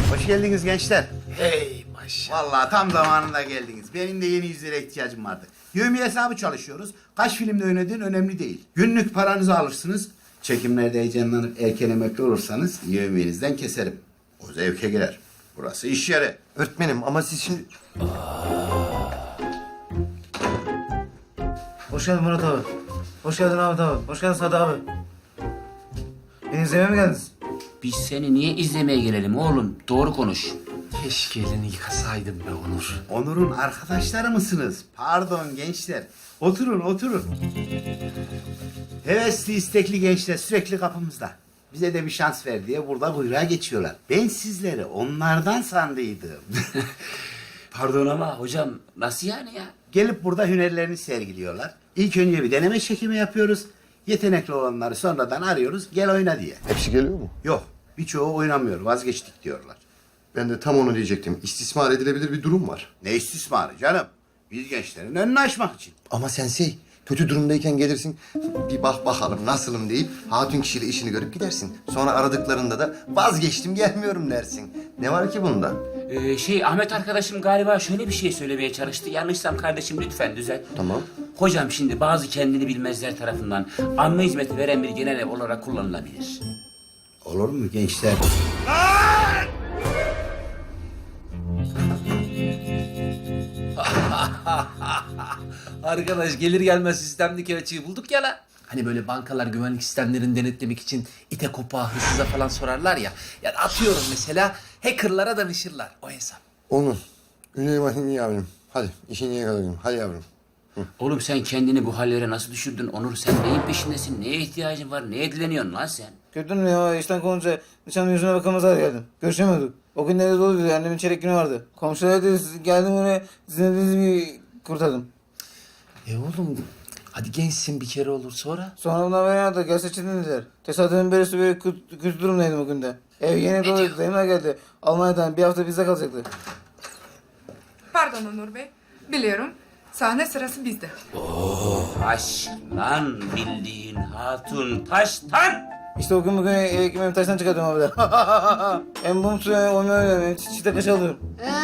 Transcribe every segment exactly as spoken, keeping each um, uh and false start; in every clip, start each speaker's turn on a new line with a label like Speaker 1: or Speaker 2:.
Speaker 1: Hoş geldiniz gençler.
Speaker 2: Hey maşallah.
Speaker 1: Vallahi tam zamanında geldiniz. Benim de yeni yüzlere ihtiyacım vardı. Yevmiye hesabı çalışıyoruz. Kaç filmde oynadığın önemli değil. Günlük paranızı alırsınız. Çekimlerde heyecanlanıp erken emekli olursanız yevmiyenizden keserim. O zevke girer. Burası iş yeri.
Speaker 2: Öğretmenim ama siz şimdi...
Speaker 3: Hoş geldin Murat abi. Hoş geldin Ahmet abi. Hoş geldin Sadı abi. Beni izlemeye mi geldiniz?
Speaker 4: Biz seni niye izlemeye gelelim oğlum? Doğru konuş.
Speaker 2: Keşke elini yıkasaydım be Onur.
Speaker 1: Onur'un arkadaşları mısınız? Pardon gençler. Oturun, oturun. Hevesli, istekli gençler sürekli kapımızda. Bize de bir şans ver diye burada kuyruğa geçiyorlar. Ben sizleri onlardan sandıydım.
Speaker 4: Pardon ama hocam nasıl yani ya?
Speaker 1: Gelip burada hünerlerini sergiliyorlar. İlk önce bir deneme çekimi yapıyoruz. Yetenekli olanları sonradan arıyoruz. Gel oyna diye.
Speaker 2: Hepsi geliyor mu?
Speaker 1: Yok, birçoğu oynamıyor. Vazgeçtik diyorlar.
Speaker 2: Ben de tam onu diyecektim. İstismar edilebilir bir durum var.
Speaker 1: Ne istismarı canım? Biz gençlerin önünü açmak için.
Speaker 2: Ama sensei kötü durumdayken gelirsin bir bak bakalım nasılım deyip hatun kişiyle işini görüp gidersin. Sonra aradıklarında da vazgeçtim gelmiyorum dersin. Ne var ki bunda?
Speaker 4: Ee, şey Ahmet arkadaşım galiba şöyle bir şey söylemeye çalıştı. Yanlışsam kardeşim lütfen düzelt.
Speaker 2: Tamam.
Speaker 4: Hocam şimdi bazı kendini bilmezler tarafından anma hizmeti veren bir genel ev olarak kullanılabilir.
Speaker 1: Olur mu gençler?
Speaker 5: Arkadaş gelir gelmez sistemdeki açığı bulduk ya la. Hani böyle bankalar güvenlik sistemlerini denetlemek için ite kopağa hırsıza falan sorarlar ya. Yani atıyorum mesela hackerlara danışırlar o hesap.
Speaker 2: Onur. Güney bakayım yavrum. Hadi işini yakalayalım. Hadi yavrum.
Speaker 4: Oğlum sen kendini bu hallere nasıl düşürdün Onur? Sen neyin peşindesin? Neye ihtiyacın var? Neye dileniyorsun lan sen?
Speaker 3: Gördün mü ya işten kovunca nişanlı yüzüne bakamazlar geldim. Görüşemiyorduk. O gün nerede doluydu annemin çeyrek günü vardı. Komşular dedi geldim oraya sizin dediğiniz gibi kurtardım.
Speaker 5: E oğlum hadi gençsin bir kere olur sonra.
Speaker 3: Sonra bundan beri aradı gel seçildin dediler. Tesadüfen böylesi böyle kötü, kötü durumdaydım o günde. Ev yeni doluydu dayımlar geldi. Almanya'dan bir hafta bizde kalacaktı.
Speaker 6: Pardon Onur Bey. Biliyorum. Sahne sırası bizde.
Speaker 4: Taş lan bildiğin hatun taştan.
Speaker 3: İşte o gün bugün eve ekmeğimi taştan çıkardım abi de. Hem mum suyu hem oyma öyle. Çiçekte kaşı alıyorum.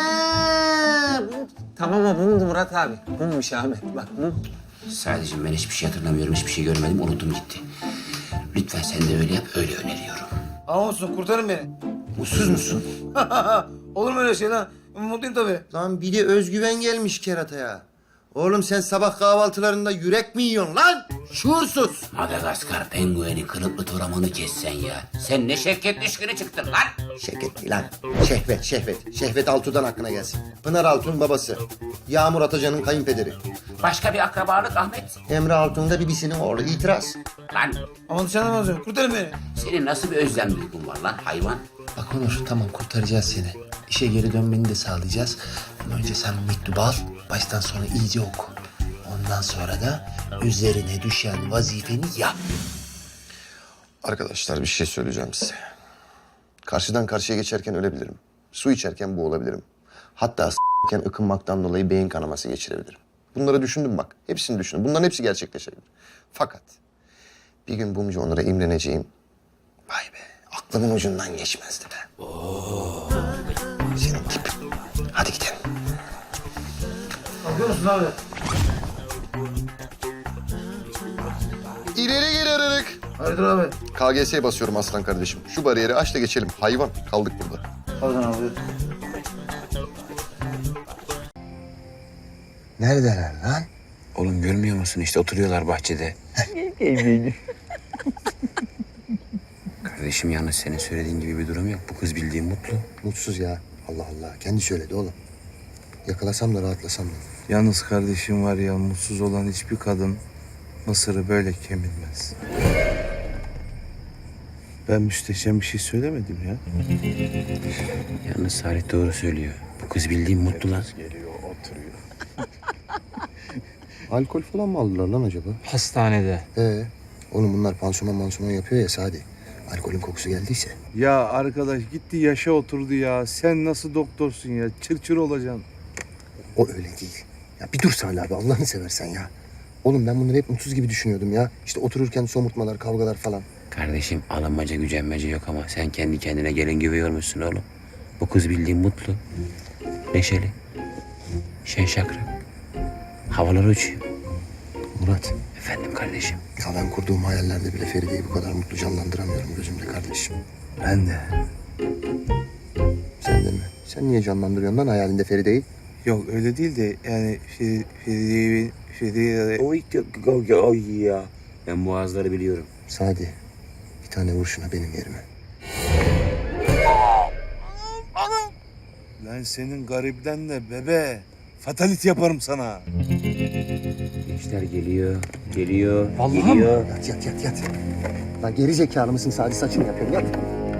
Speaker 5: Tamam o mumdu Murat abi. Mummuş Ahmet bak mum.
Speaker 4: Sadece ben hiçbir şey hatırlamıyorum, hiçbir şey görmedim, unuttum gitti. Lütfen sen de öyle yap, öyle öneriyorum.
Speaker 3: Ama olsun kurtarın beni.
Speaker 2: Mutsuz musun?
Speaker 3: Olur mu öyle şey lan? Mutluyum tabii.
Speaker 2: Lan bir de özgüven gelmiş kerataya. Oğlum sen sabah kahvaltılarında yürek mi yiyorsun lan? Şuursuz.
Speaker 4: Madagaskar pengueni kılıklı toramanı kessen ya. Sen ne şevket düşkünü çıktın lan.
Speaker 2: Şevket değil lan. Şehvet, Şehvet. Şehvet Altun'dan hakkına gelsin. Pınar Altun babası. Yağmur Atacan'ın kayınpederi.
Speaker 4: Başka bir akrabalık Ahmet.
Speaker 2: Emre Altun da bibisinin oğlu. İtiraz.
Speaker 4: Lan
Speaker 3: Ama dışarıdan alacağım. Kurtarın beni.
Speaker 4: senin nasıl bir özlem duygun var lan hayvan?
Speaker 5: Bak Onur tamam kurtaracağız seni. İşe geri dönmeni de sağlayacağız. Ama önce sen bu mektubu al. Baştan sona iyice oku. Ondan sonra da üzerine düşen vazifeni yap.
Speaker 2: Arkadaşlar bir şey söyleyeceğim size. Karşıdan karşıya geçerken ölebilirim. Su içerken boğulabilirim. Hatta s**ken ıkınmaktan dolayı beyin kanaması geçirebilirim. Bunları düşündüm bak. Hepsini düşündüm. Bunların hepsi gerçekleşebilir. Fakat bir gün Bumcu Onur'a imreneceğim. Vay be aklımın ucundan geçmezdi be. Oo. Senin tip. Hadi gidelim.
Speaker 3: Kalkıyor musun abi?
Speaker 2: İleri geri ararak.
Speaker 3: Hayırdır abi?
Speaker 2: K G S'ye basıyorum aslan kardeşim. Şu bariyeri aç da geçelim. Hayvan kaldık burada.
Speaker 3: Pardon abi.
Speaker 2: Neredeler lan?
Speaker 4: Oğlum görmüyor musun işte oturuyorlar bahçede. Kardeşim yalnız senin söylediğin gibi bir durum yok. Bu kız bildiğin mutlu.
Speaker 2: Mutsuz ya. Allah Allah. Kendi söyledi oğlum. Yakalasam da rahatlasam da.
Speaker 7: Yalnız kardeşim var ya mutsuz olan hiçbir kadın Mısır'ı böyle kemirmez. Ben müsteşem bir şey söylemedim ya.
Speaker 4: Yalnız Salih doğru söylüyor. Bu kız bildiğin mutlu lan.
Speaker 2: Alkol falan mı aldılar lan acaba?
Speaker 5: Hastanede.
Speaker 2: Ee, oğlum bunlar pansuman mansuman yapıyor ya Sadi. Alkolün kokusu geldiyse.
Speaker 7: Ya arkadaş gitti yaşa oturdu ya. Sen nasıl doktorsun ya? Çır çır olacaksın.
Speaker 2: O öyle değil. Ya bir dur Salih abi Allah'ını seversen ya. Oğlum ben bunları hep mutsuz gibi düşünüyordum ya. İşte otururken somurtmalar, kavgalar falan.
Speaker 4: Kardeşim alınmaca gücenmece yok ama sen kendi kendine gelin gibi yormuşsun oğlum. O kız bildiğin mutlu, neşeli, şen şakrak. Havalar uçuyor.
Speaker 2: Murat,
Speaker 4: Efendim kardeşim.
Speaker 2: ya ben kurduğum hayallerde bile Feride'yi bu kadar mutlu canlandıramıyorum gözümde kardeşim.
Speaker 7: Ben de.
Speaker 2: Sen de mi? Sen niye canlandırıyorsun lan hayalinde Feride'yi?
Speaker 7: Yok öyle değil de yani Feri- Feride'yi Feride'yi
Speaker 4: Oy, oy, oy ya. Ben boğazları biliyorum.
Speaker 2: Sadi, bir tane vur şuna benim yerime.
Speaker 7: Lan senin garibden de bebe. Fatalit yaparım sana.
Speaker 4: Gençler geliyor, geliyor, geliyor.
Speaker 2: Yat yat yat yat. Lan geri zekalı mısın Sadi, saçını yapıyorum yat.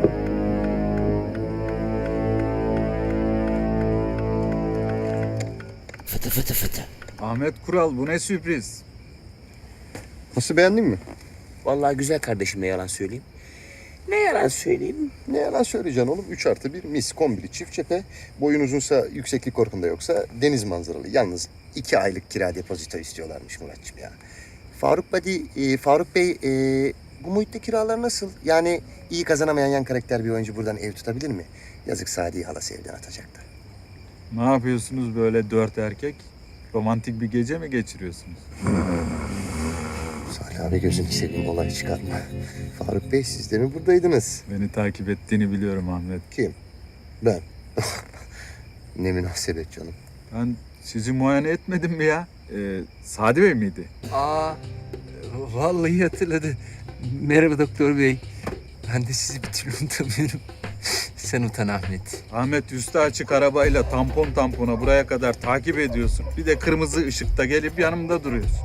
Speaker 4: Fıtı fıtı fıtı.
Speaker 8: Ahmet Kural bu ne sürpriz.
Speaker 2: Nasıl, beğendin mi?
Speaker 4: Vallahi güzel kardeşim, ne yalan söyleyeyim. Ne yalan söyleyeyim.
Speaker 2: Ne yalan söyleyeceksin oğlum. Üç artı bir mis kombili çift cephe. Boyun uzunsa, yükseklik korkunda yoksa deniz manzaralı. Yalnız iki aylık kira depozito istiyorlarmış Muratçım ya. Faruk Badi, e, Faruk Bey e, bu muhitte kiralar nasıl? Yani iyi kazanamayan yan karakter bir oyuncu buradan ev tutabilir mi? Yazık Sadi'yi halası evden atacaktı.
Speaker 8: Ne yapıyorsunuz böyle dört erkek? Romantik bir gece mi geçiriyorsunuz?
Speaker 2: Salih abi gözünü seveyim, olay çıkarma. Faruk Bey siz de mi buradaydınız?
Speaker 8: Beni takip ettiğini biliyorum Ahmet.
Speaker 2: Kim? Ben. Ne münasebet canım.
Speaker 8: Ben sizi muayene etmedim mi ya? Ee, Sadi Bey miydi?
Speaker 7: Aa, vallahi hatırladı. Merhaba doktor bey. Ben de sizi bir türlü unutamıyorum. Sen utan Ahmet.
Speaker 8: Ahmet üstü açık arabayla tampon tampona buraya kadar takip ediyorsun. Bir de kırmızı ışıkta gelip yanımda duruyorsun.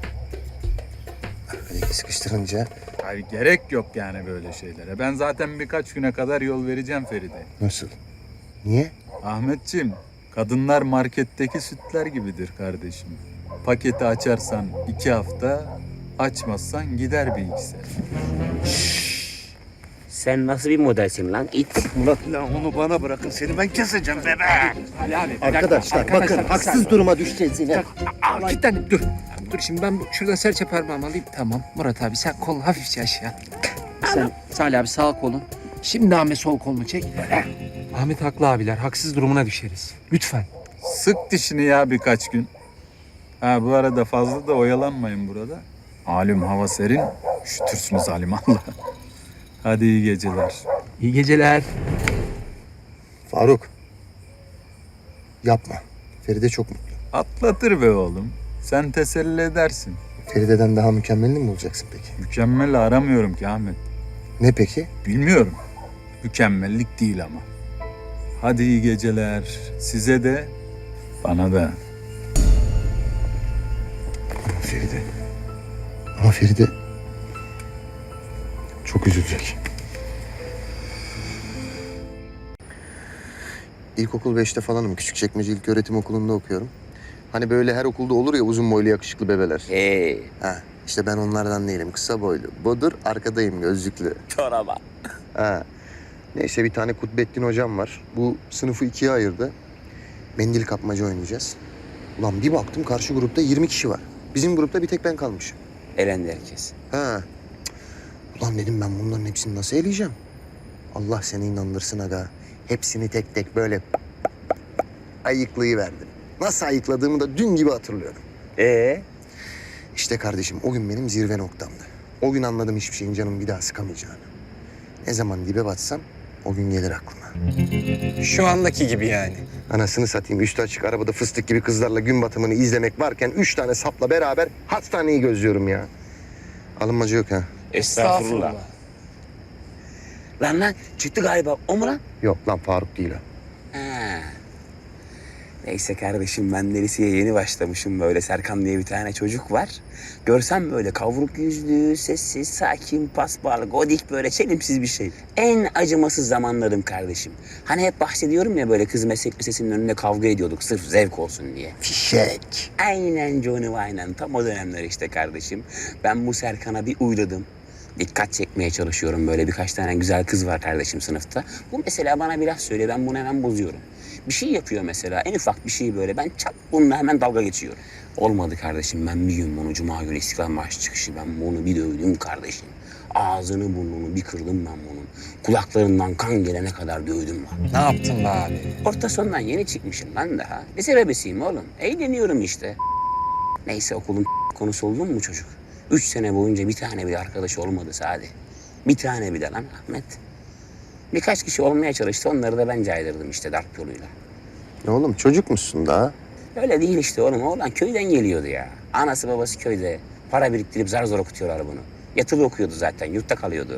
Speaker 2: Böyle sıkıştırınca
Speaker 8: Hayır, gerek yok yani böyle şeylere. Ben zaten birkaç güne kadar yol vereceğim Feride.
Speaker 2: nasıl? Niye?
Speaker 8: Ahmetciğim, kadınlar marketteki sütler gibidir kardeşim. Paketi açarsan iki hafta, açmazsan gider bir iki sene.
Speaker 4: Sen nasıl bir modelsin lan it?
Speaker 7: Lan onu bana bırakın, seni ben keseceğim bebe.
Speaker 3: Ali abi.
Speaker 2: Arkadaşlar, bakın haksız duruma düşeceğiz yine.
Speaker 3: Aa, kilitlendim dur. Dur şimdi ben bu- şuradan serçe parmağımı alayım. Tamam Murat abi sen kol hafifçe aşağı. Sen Salih abi sağ kolun. Şimdi Ahmet sol kolunu çek. Ahmet haklı abiler. Haksız durumuna düşeriz. Lütfen.
Speaker 8: Sık dişini ya birkaç gün. Ha bu arada fazla da oyalanmayın burada. Malum hava serin, üşütürsünüz alimallah. Hadi iyi geceler.
Speaker 3: İyi geceler.
Speaker 2: Faruk. Yapma. Feride çok mutlu.
Speaker 8: Atlatır be oğlum. Sen teselli edersin.
Speaker 2: Feride'den daha mükemmelini mi bulacaksın peki?
Speaker 8: Mükemmel aramıyorum ki Ahmet.
Speaker 2: Ne peki?
Speaker 8: Bilmiyorum. Mükemmellik değil ama. Hadi iyi geceler. Size de, bana da.
Speaker 2: Ama Feride. Ama Feride çok üzülecek. İlkokul beşte falanım. Küçükçekmece İlköğretim Okulu'nda okuyorum. Hani böyle her okulda olur ya uzun boylu yakışıklı bebeler.
Speaker 4: Ee,
Speaker 2: Ha, işte ben onlardan değilim. Kısa boylu. Bodur, arkadayım gözlüklü.
Speaker 4: çoraba.
Speaker 2: Ha. Neyse bir tane Kutbettin hocam var. Bu sınıfı ikiye ayırdı. Mendil kapmaca oynayacağız. Ulan bir baktım karşı grupta yirmi kişi var. Bizim grupta bir tek ben kalmışım.
Speaker 4: Elendi herkes.
Speaker 2: Ha. Cık. Ulan dedim ben bunların hepsini nasıl eleyeceğim? Allah seni inandırsın aga. Hepsini tek tek böyle ayıklayıverdim. Nasıl ayıkladığımı da dün gibi hatırlıyorum.
Speaker 4: Ee,
Speaker 2: İşte kardeşim o gün benim zirve noktamdı. O gün anladım hiçbir şeyin canımı bir daha sıkamayacağını. Ne zaman dibe batsam o gün gelir aklıma.
Speaker 7: Şu andaki gibi yani.
Speaker 2: Anasını satayım üstü açık arabada fıstık gibi kızlarla gün batımını izlemek varken üç tane sapla beraber hastaneyi gözlüyorum ya. Alınmacı yok ha.
Speaker 4: estağfurullah. Lan lan çıktı galiba. O mu lan?
Speaker 2: Yok lan Faruk değil o.
Speaker 4: Ha. Neyse kardeşim, ben de liseye yeni başlamışım, böyle Serkan diye bir tane çocuk var. Görsem böyle kavruk yüzlü, sessiz, sakin, paspal, godik, böyle çelimsiz bir şey. En acımasız zamanlarım kardeşim. Hani hep bahsediyorum ya, böyle kız meslek lisesinin önünde kavga ediyorduk sırf zevk olsun diye.
Speaker 2: Fişek.
Speaker 4: Aynen Johnny aynen, tam o dönemler işte kardeşim. Ben bu Serkan'a bir uyladım. Dikkat çekmeye çalışıyorum, böyle birkaç tane güzel kız var kardeşim sınıfta. Bu mesela bana bir laf söylüyor, ben bunu hemen bozuyorum. Bir şey yapıyor mesela, en ufak bir şey böyle, ben çat bununla hemen dalga geçiyorum. Olmadı kardeşim, ben bir gün bunu Cuma günü İstiklal Marşı çıkışı ben bunu bir dövdüm kardeşim. Ağzını burnunu bir kırdım ben bunun. Kulaklarından kan gelene kadar dövdüm lan.
Speaker 3: Ne yaptın be abi?
Speaker 4: Orta sondan yeni çıkmışım lan daha. Lise bebesiyim oğlum. Eğleniyorum işte. Neyse okulun konusu oldu mu bu çocuk? Üç sene boyunca bir tane bile arkadaş olmadı Sadi. Bir tane bile lan Ahmet. Birkaç kişi olmaya çalıştı. Onları da ben caydırdım işte darp yoluyla.
Speaker 2: Ne oğlum çocuk musun daha?
Speaker 4: Öyle değil işte oğlum. Oğlan köyden geliyordu ya. Anası babası köyde. Para biriktirip zar zor okutuyorlar bunu. Yatılı okuyordu zaten. Yurtta kalıyordu.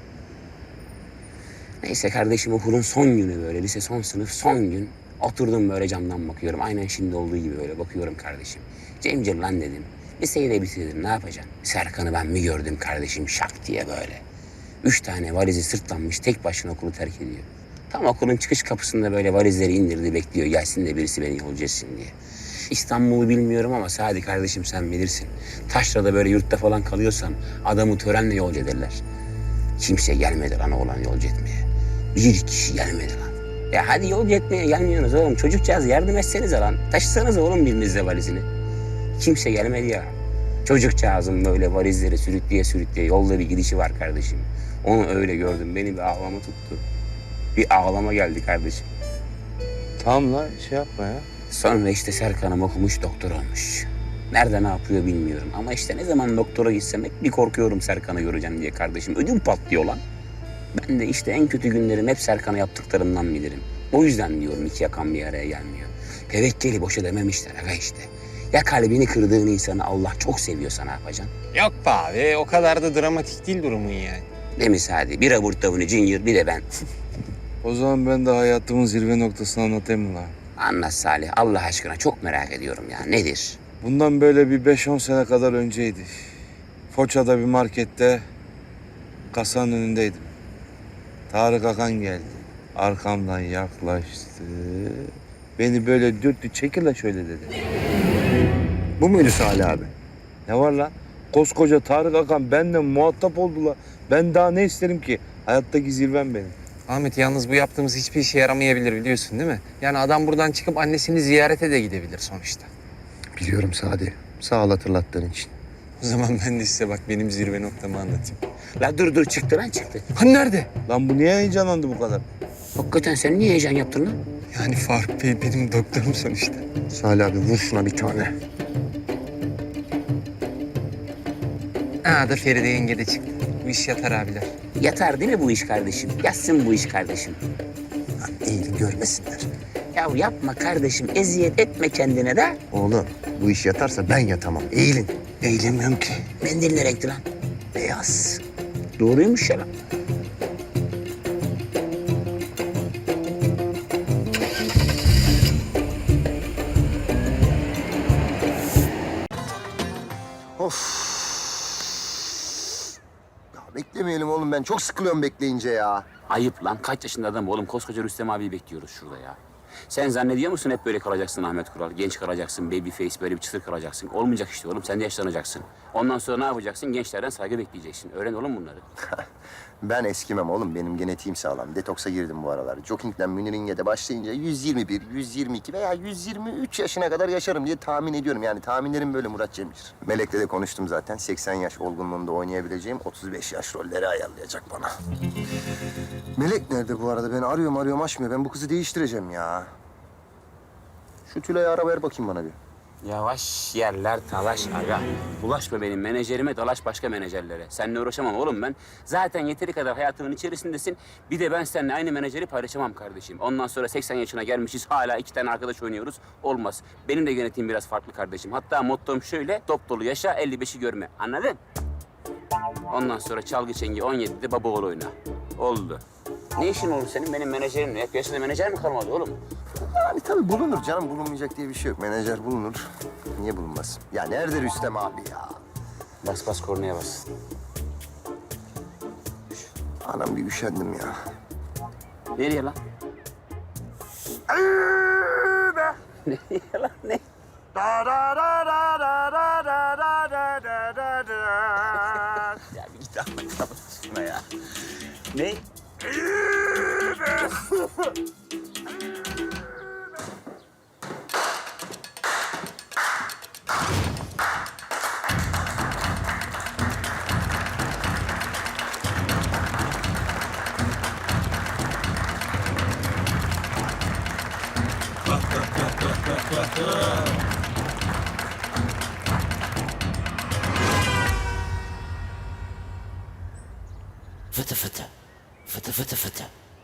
Speaker 4: Neyse kardeşim okulun son günü böyle. Lise son sınıf son gün. Oturdum böyle camdan bakıyorum. Aynen şimdi olduğu gibi böyle bakıyorum kardeşim. Cemcir lan dedim. Liseyi de bitirdim. Ne yapacaksın? Serkan'ı ben mi gördüm kardeşim şak diye böyle. Üç tane valizi sırtlanmış tek başına okulu terk ediyor. Tam okulun çıkış kapısında böyle valizleri indirdi bekliyor. Gelsin de birisi beni yolcu etsin diye. İstanbul'u bilmiyorum ama Sadi kardeşim sen bilirsin. Taşra'da böyle yurtta falan kalıyorsam adamı törenle yolcu ederler. Kimse gelmedi lan oğlan yolcu etmeye. Bir kişi gelmedi lan. Ya hadi yolcu etmeye gelmiyorsunuz oğlum. Çocukcağız yardım etsenize lan. Taşısanız oğlum birinizle valizini. Kimse gelmedi ya. Çocukcağızın böyle valizleri sürükleye sürükleye yolda bir gidişi var kardeşim. Onu öyle gördüm. Beni bir ağlama tuttu. Bir ağlama geldi kardeşim.
Speaker 5: Tamam lan şey yapma ya.
Speaker 4: Sonra işte Serkan'ım okumuş doktor olmuş. Nerede ne yapıyor bilmiyorum. Ama işte ne zaman doktora gitsem hep bir korkuyorum Serkan'ı göreceğim diye kardeşim. Ödüm patlıyor lan. Ben de işte en kötü günlerim hep Serkan'a yaptıklarımdan bilirim. O yüzden diyorum iki yakan bir araya gelmiyor. Tevekkeli boşa dememişler aga işte. Ya kalbini kırdığın insanı Allah çok seviyorsa ne yapacaksın?
Speaker 3: Yok be abi o kadar da dramatik değil durumun yani.
Speaker 4: Değil mi Sadi? Bir aburt tavuğunu Junior bir de ben.
Speaker 5: O zaman ben de hayatımın zirve noktasını anlatayım mı lan?
Speaker 4: Anlat Salih Allah aşkına çok merak ediyorum ya. Nedir?
Speaker 5: Bundan böyle bir beş on sene kadar önceydi. Foça'da bir markette kasanın önündeydim. Tarık Akan geldi. Arkamdan yaklaştı. Beni böyle dürttü. Çekil la şöyle dedi.
Speaker 2: Bu muydu Salih abi?
Speaker 5: Ne var lan? Koskoca Tarık Akan benimle muhatap oldular. Ben daha ne isterim ki? Hayattaki zirvem benim.
Speaker 3: Ahmet yalnız bu yaptığımız hiçbir işe yaramayabilir biliyorsun değil mi? Yani adam buradan çıkıp annesini ziyarete de gidebilir sonuçta.
Speaker 2: Biliyorum Sadi. Sağ ol hatırlattığın için.
Speaker 3: O zaman ben de size bak benim zirve noktamı anlatayım.
Speaker 4: La dur dur çıktı lan çıktı.
Speaker 3: Hani nerede?
Speaker 5: Lan bu niye heyecanlandı bu kadar?
Speaker 4: Hakikaten sen niye heyecan yaptın lan?
Speaker 3: Yani Faruk Bey benim doktorum sonuçta.
Speaker 2: Salih abi vur şuna bir tane.
Speaker 3: Aa da Feride yenge de çıktı. Bu iş yatar abiler.
Speaker 4: Yatar değil mi bu iş kardeşim? Yatsın bu iş kardeşim.
Speaker 2: İyi görmesinler.
Speaker 4: Ya yapma kardeşim eziyet etme kendine de.
Speaker 2: Oğlum bu iş yatarsa ben yatamam. Eğilin.
Speaker 4: Eğilemiyorum ki. Mendil ne renkti lan? Beyaz. Doğruymuş ya lan.
Speaker 2: Of. Ya beklemeyelim oğlum ben çok sıkılıyorum bekleyince ya.
Speaker 4: Ayıp lan. Kaç yaşında adam oğlum? Koskoca Rüstem abiyi bekliyoruz şurada ya. Sen zannediyor musun hep böyle kalacaksın Ahmet Kural? Genç kalacaksın, baby face, böyle bir çıtır kalacaksın. Olmayacak işte oğlum. Sen de yaşlanacaksın. Ondan sonra ne yapacaksın? Gençlerden saygı bekleyeceksin. Öğren oğlum bunları.
Speaker 2: Ben eskimem oğlum. Benim genetiğim sağlam. Detoksa girdim bu aralar. Jogging'den Münir'inge başlayınca yüz yirmi bir, yüz yirmi iki veya yüz yirmi üç yaşına kadar yaşarım diye tahmin ediyorum. Yani tahminlerim böyle Murat Cemcir. Melek'le de konuştum zaten. seksen yaş olgunluğunda oynayabileceğim otuz beş yaş rolleri ayarlayacak bana. Melek nerede bu arada? Ben arıyorum arıyorum açmıyor. Ben bu kızı değiştireceğim ya. Şu Tülay'ı ara ver bakayım bana bir.
Speaker 4: Yavaş yerler talaş aga. Bulaşma benim menajerime, dalaş başka menajerlere. Seninle uğraşamam oğlum ben. Zaten yeteri kadar hayatımın içerisindesin. Bir de ben seninle aynı menajeri paylaşamam kardeşim. Ondan sonra seksen yaşına gelmişiz, hala iki tane arkadaş oynuyoruz. Olmaz. Benim de genetiğim biraz farklı kardeşim. Hatta mottom şöyle, dop dolu yaşa, elli beşi görme. Anladın? Ondan sonra çalgı çengi on yedide baba oğlu oyna. Oldu. Ne işin olur senin benim menajerimle? Hep yaşında menajer mi kalmadı oğlum?
Speaker 2: Yani tabii bulunur canım. Bulunmayacak diye bir şey yok. Menajer bulunur. Niye bulunmaz? Ya nerede Rüstem abi ya?
Speaker 4: Bas bas kornaya bas.
Speaker 2: Anam bir üşendim ya.
Speaker 4: Nereye lan? Nereye lan ne? Ya bir git Allah aşkına ya. Ne? Fıtı fıtı. Fıtı fıtı fıtı.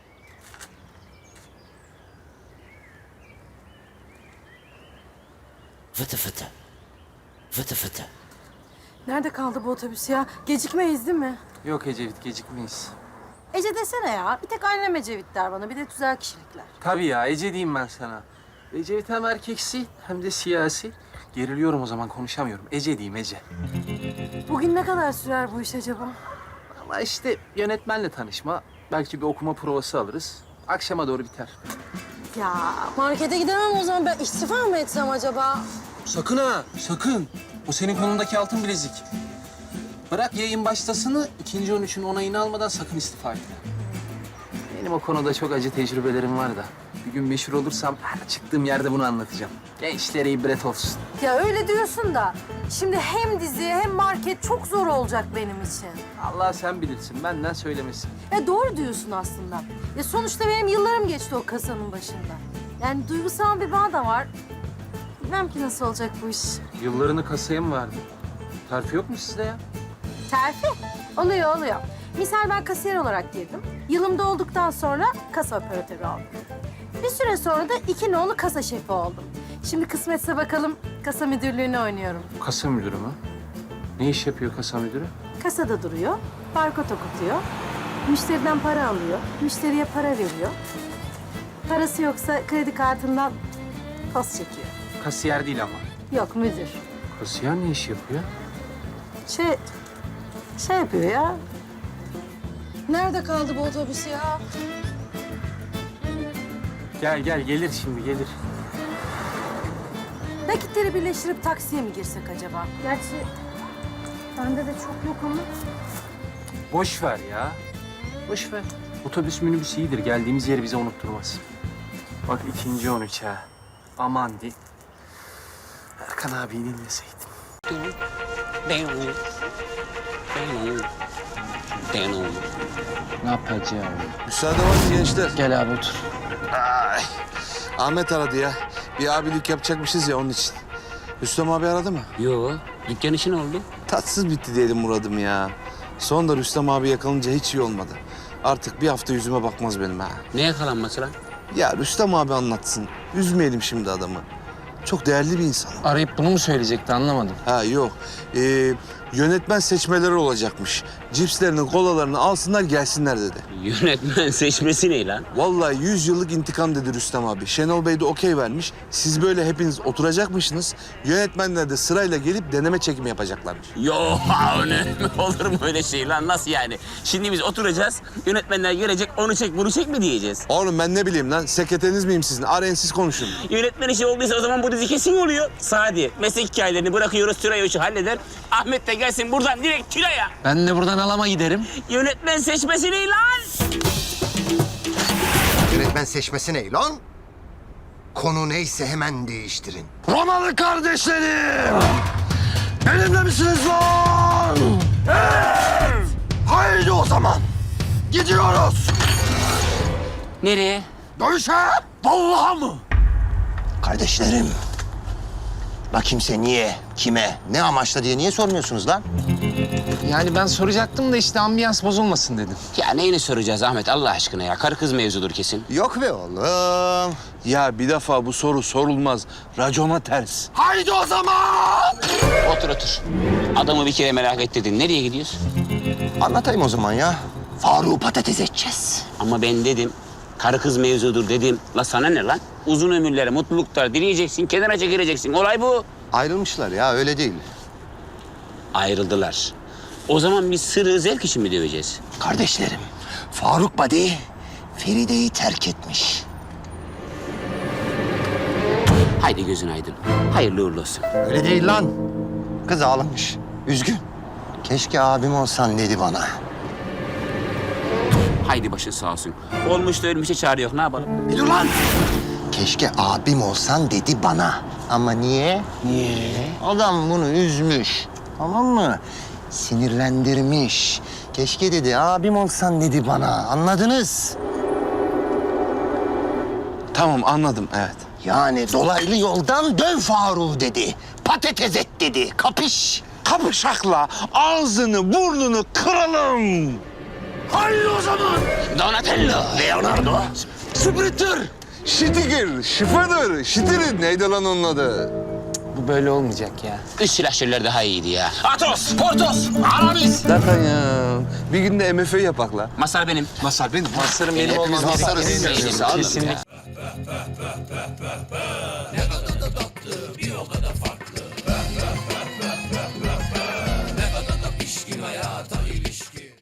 Speaker 4: Fıtı fıtı. Fıtı fıtı.
Speaker 9: Nerede kaldı bu otobüs ya? Gecikmeyiz değil mi?
Speaker 3: Yok Ecevit, gecikmeyiz.
Speaker 9: Ece desene ya. Bir tek annem Ecevit der bana. Bir de tüzel kişilikler.
Speaker 3: Tabii ya, Ece diyeyim ben sana. Ecevit hem erkeksi hem de siyasi. Geriliyorum o zaman, konuşamıyorum. Ece diyeyim, Ece.
Speaker 9: Bugün ne kadar sürer bu iş acaba?
Speaker 3: Ama işte yönetmenle tanışma, belki bir okuma provası alırız. Akşama doğru biter.
Speaker 9: Ya markete gidemem o zaman. Ben istifa mı etsem acaba?
Speaker 3: Sakın ha, sakın. O senin kolundaki altın bilezik. Bırak yayın başlasını, ikinci on üçün onayını almadan sakın istifa etme. Benim o konuda çok acı tecrübelerim var da. Bir gün meşhur olursam her çıktığım yerde bunu anlatacağım. Gençlere ibret olsun.
Speaker 9: Ya öyle diyorsun da. Şimdi hem dizi hem market çok zor olacak benim için.
Speaker 3: Allah sen bilirsin, benden söylemesin.
Speaker 9: Ya doğru diyorsun aslında. Ya sonuçta benim yıllarım geçti o kasanın başında. Yani duygusal bir bağ da var. Bilmem ki nasıl olacak bu iş.
Speaker 3: Yıllarını kasaya mı verdin? Terfi yok mu sizde ya?
Speaker 9: Terfi? Oluyor, oluyor. Misal ben kasiyer olarak girdim. Yılım dolduktan sonra kasa operatörü oldum. Bir süre sonra da iki nolu kasa şefi oldum. Şimdi kısmetse bakalım kasa müdürlüğünü oynuyorum.
Speaker 3: Kasa müdürü mü? Ne iş yapıyor kasa müdürü?
Speaker 9: Kasada duruyor, barkod okutuyor. Müşteriden para alıyor, müşteriye para veriyor. Parası yoksa kredi kartından post çekiyor.
Speaker 3: Kasiyer değil ama.
Speaker 9: Yok müdür.
Speaker 3: Kasiyer ne iş yapıyor?
Speaker 9: Şey, şey yapıyor ya. Nerede kaldı bu otobüs ya?
Speaker 3: Gel gel, gelir şimdi, gelir.
Speaker 9: Nakitleri birleştirip taksiye mi girsek acaba? Gerçi bende de çok yok ama.
Speaker 3: Boş ver ya. Boş ver. Otobüs minibüs iyidir. Geldiğimiz yeri bize unutturmaz. Bak ikinci on üç ha. Aman di. Erkan abiyi dinleseydim. Ne yapacağım?
Speaker 5: Müsaade var mı gençler?
Speaker 3: Gel abi otur.
Speaker 5: Ay, Ahmet aradı ya. Bir abilik yapacakmışız ya onun için. Rüstem abi aradı mı?
Speaker 4: Yo, dükkan işi ne oldu?
Speaker 5: Tatsız bitti diyelim Murad'ım ya. Son da Rüstem abi yakalanınca hiç iyi olmadı. Artık bir hafta yüzüme bakmaz benim ha.
Speaker 4: Ne yakalanması lan?
Speaker 5: Ya Rüstem abi anlatsın. Üzmeyelim şimdi adamı. Çok değerli bir insan.
Speaker 3: Arayıp bunu mu söyleyecekti anlamadım.
Speaker 5: Ha yok. Ee, yönetmen seçmeleri olacakmış. Cipslerini, kolalarını alsınlar gelsinler dedi.
Speaker 4: Yönetmen seçmesi ne lan?
Speaker 5: Vallahi yüz yıllık intikam dedi Rüstem abi. Şenol Bey de okey vermiş. Siz böyle hepiniz oturacakmışsınız. Yönetmenler de sırayla gelip deneme çekimi yapacaklarmış.
Speaker 4: Yo, ne olur mu öyle şey lan? Nasıl yani? Şimdi biz oturacağız, yönetmenler gelecek, onu çek, bunu çek mi diyeceğiz?
Speaker 5: Oğlum ben ne bileyim lan. Sekreteriniz miyim sizin? Arayın siz konuşun.
Speaker 4: Yönetmen işi olduysa o zaman bu dizi kesin oluyor. Sadi, meslek hikayelerini bırakıyoruz, Tülay o işi halleder. Ahmet de gelsin buradan direkt Tülay'a.
Speaker 3: Ben de buradan alama giderim.
Speaker 4: Yönetmen seçmesi ne lan?
Speaker 2: Yönetmen seçmesi ne lan? Konu neyse hemen değiştirin.
Speaker 10: Romalı kardeşlerim! Benimle misiniz lan? Evet! Haydi o zaman. Gidiyoruz.
Speaker 4: Nereye?
Speaker 10: Dövüşe. Vallahi mı?
Speaker 2: Kardeşlerim. La kimse niye, kime, ne amaçla diye niye sormuyorsunuz lan?
Speaker 3: Yani ben soracaktım da işte ambiyans bozulmasın dedim.
Speaker 4: Ya neyini soracağız Ahmet Allah aşkına ya? Karı kız mevzudur kesin.
Speaker 2: Yok be oğlum.
Speaker 5: Ya bir defa bu soru sorulmaz. Racona ters.
Speaker 10: Haydi o zaman.
Speaker 4: Otur otur. Adamı bir kere merak ettirdin. Nereye gidiyoruz?
Speaker 2: Anlatayım o zaman ya. Faruk'u patates edeceğiz.
Speaker 4: Ama ben dedim, karı kız mevzudur dedim. La sana ne lan? Uzun ömürlere, mutluluklar dileyeceksin, kenara çekileceksin. Olay bu.
Speaker 2: Ayrılmışlar ya, öyle değil.
Speaker 4: Ayrıldılar. O zaman biz sırrı zevk için mi döveceğiz?
Speaker 2: Kardeşlerim, Faruk Badi Feride'yi terk etmiş.
Speaker 4: Haydi gözün aydın. Hayırlı uğurlu olsun.
Speaker 2: Öyle değil lan. Kız ağlamış, üzgün. Keşke abim olsan dedi bana.
Speaker 4: Haydi başın sağ olsun. Olmuş da ölmüşe çare yok. Ne yapalım?
Speaker 2: Bir dur lan! Keşke abim olsan dedi bana. Ama niye? Niye? Adam bunu üzmüş. Tamam mı? Sinirlendirmiş. Keşke dedi abim olsan dedi bana. Anladınız?
Speaker 5: Tamam anladım evet.
Speaker 10: Yani dolaylı yoldan döv Faruk'u dedi. Patates et dedi. Kapış.
Speaker 5: Kapışakla ağzını burnunu kıralım.
Speaker 10: Haydi o zaman. Donatello. Leonardo. Sprinter.
Speaker 5: Şitigir, şifadır, şitirin. Neydi lan onun adı?
Speaker 4: Bu böyle olmayacak ya.
Speaker 10: Üst silahşörler daha iyiydi ya. Atos, Portos, Aramis.
Speaker 5: Zaten ya. Bir gün de M F yapak la.
Speaker 4: Masar benim.
Speaker 7: Masar benim. Masarım benim
Speaker 2: Hepimiz
Speaker 7: olmam
Speaker 2: masarız.
Speaker 7: gerekiyor.
Speaker 2: Kesinlikle.
Speaker 7: Kesinlikle.